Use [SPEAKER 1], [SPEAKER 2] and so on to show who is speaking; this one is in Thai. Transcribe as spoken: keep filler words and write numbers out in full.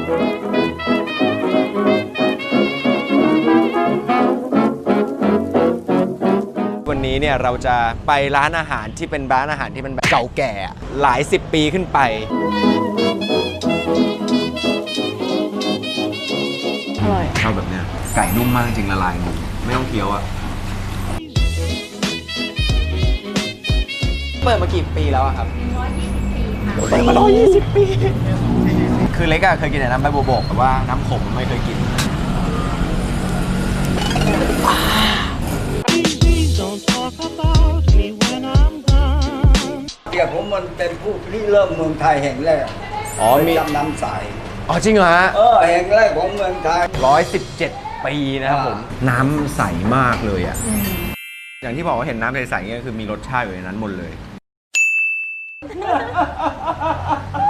[SPEAKER 1] วันนี้เนี่ยเราจะไปร้านอาหารที่เป็นร้านอาหารที่มันแบบเก่าแก่หลายสิบปีขึ้นไป
[SPEAKER 2] อร่อย
[SPEAKER 1] ชอบแบบเนี้ยไก่นุ่มมากจริงละลายมือไม่ต้องเคี้ยวอะเปิดมากี่ปีแล้วอะครับร้อยยี่สิบปีค่ะเปิดมาร้อยยี่สิบปีคือเล็กอะเคยกินแต่น้ำใบบัวบกแต่ว่าน้ำขมไม่เคยกิน
[SPEAKER 3] เดี๋ยวผมมันเป็นผู้ที่เริ่มเมืองไทยแห่งแรกอ๋อมีน้ำใส
[SPEAKER 1] อ๋อจริงเหรอฮะ
[SPEAKER 3] เออแห่งแรกของเมืองไทย
[SPEAKER 1] ร้อยสิบเจ็ดปีนะครับผมน้ำใสมากเลยอ่ะอย่างที่บอกว่าเห็นน้ำใสๆเนี่ยคือมีรสชาติอยู่ในนั้นหมดเลย